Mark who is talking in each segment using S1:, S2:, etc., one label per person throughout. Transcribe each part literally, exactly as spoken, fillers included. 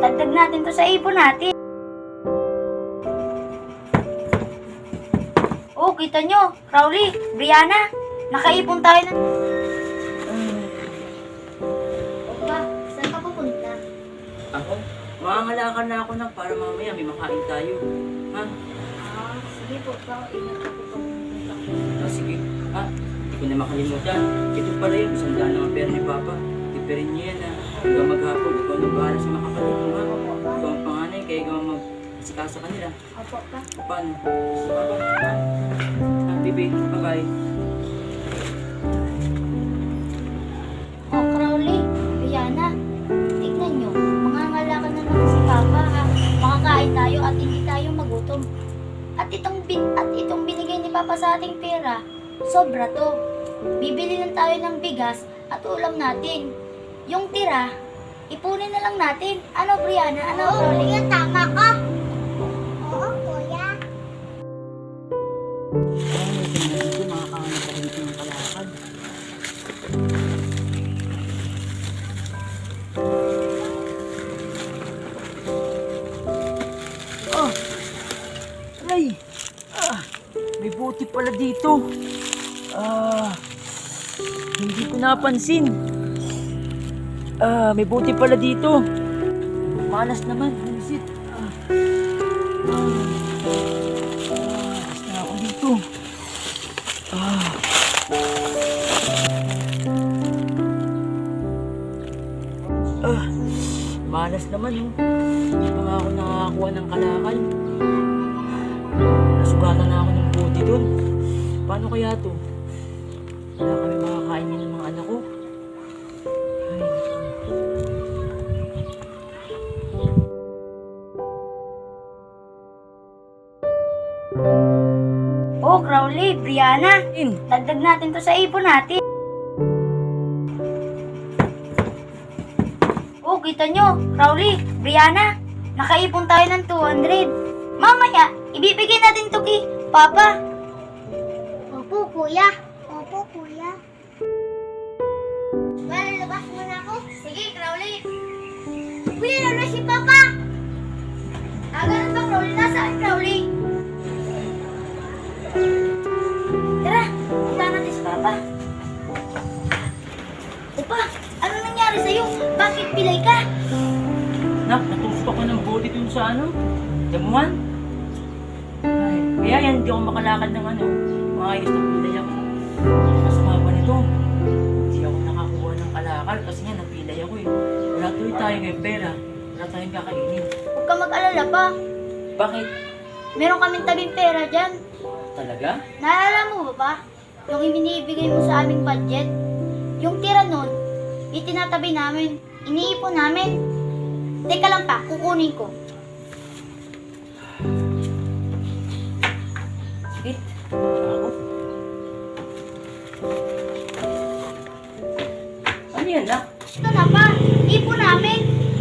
S1: Dagdag natin to sa ipon natin. Oh, kita nyo, Crowley, Brianna, nakaipon tayo ng... Opa, saan ka pupunta?
S2: Ako? Maangalakan na ako na para mamaya may makain tayo. Ha?
S1: Ah, sige po pa, ingat ako pupunta.
S2: Ah, sige. Ah, hindi ko na makalimutan. Ito pala yun, isang daan ng pera ni Papa. Tipirin niyo yan ha. Hanggang maghapon, ikaw nang bahala sa mga kapatid mo ha. Ikaw ang panganay, kaya ikaw ang mag-isika sa kanila.
S1: Opo pa.
S2: Paano? Sa Papa, ha? Ha, baby, bye-bye.
S1: Oh, Crowley, Brianna, tignan nyo, mangangalakan na naman si Papa ha. Makakain tayo at hindi tayo magutom. At itong, bin at itong binigay ni Papa sa ating pera, sobra to. Bibili lang tayo ng bigas at ulam natin. Yung tira, ipunin na lang natin. Ano, Brianna? Ano, Crowley? Oo, tama ka. Oo, kuya.
S2: Ay, tingnan dito, makakahanap ako dito ng kalakad. Ah! Aray! Ah! May buti pala dito. Ah! Hindi ko napansin. Ah, may buti pala dito. Malas naman, bumisit. Ah. Ah. Malas na ako dito. Ah. Ah. Malas naman, oh. Hindi pa nga ako nakakakuha ng kalakal. Nasugatan na ako ng buti dun. Paano kaya to? Wala kami makakainin ng mga anak ko. Ay, naku.
S1: Oh, Crowley, Brianna,
S2: In.
S1: dagdag natin to sa ipon natin. Oh, kita nyo, Crowley, Brianna, nakaipon tayo ng two hundred. Mamaya, ibibigay natin to kay Papa. Opo, kuya. Opo, kuya. Lalabas mo na ako? Sige, Crowley. Kuya, lalabas si Papa. Ah, ganun ba, Crowley? Nasaan, Crowley? Tara, punta natin si Papa. Opa, ano nangyari sa'yo? Bakit pilay ka?
S2: Nak, natusok ako ng buti dun sa ano? Damuhan? Ay, kaya yan, hindi ako makalakad ng ano. Maayos na pilay ako. Masama pa nito. Hindi ako nakakuha ng kalakal kasi nga napilay ako eh. Wala tuloy tayo ngayong pera. Wala tayong kakainin.
S1: Huwag ka mag-alala pa.
S2: Bakit?
S1: Meron kaming tabing pera dyan.
S2: Talaga?
S1: Naalala mo ba ba? Yung ibinibigay mo sa aming budget? Yung tira nun, itinatabi namin. Iniipon namin. Teka lang pa, kukunin ko.
S2: Sige. Ako. Ano yan, nak?
S1: Ito na pa, ipon namin.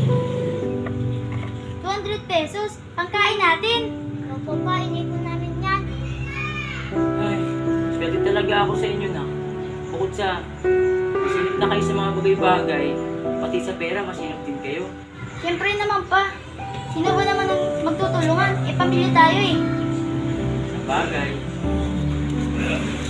S1: two hundred pesos, pangkain natin. Opo pa, inipon namin yan.
S2: Ay, swerte talaga ako sa inyo, nak. Bukod sa masinip na kayo sa mga bagay-bagay, pati sa pera, masinip din kayo.
S1: Siyempre naman pa, sino ba naman ang magtutulungan? E, pamilya tayo eh.
S2: Sa bagay.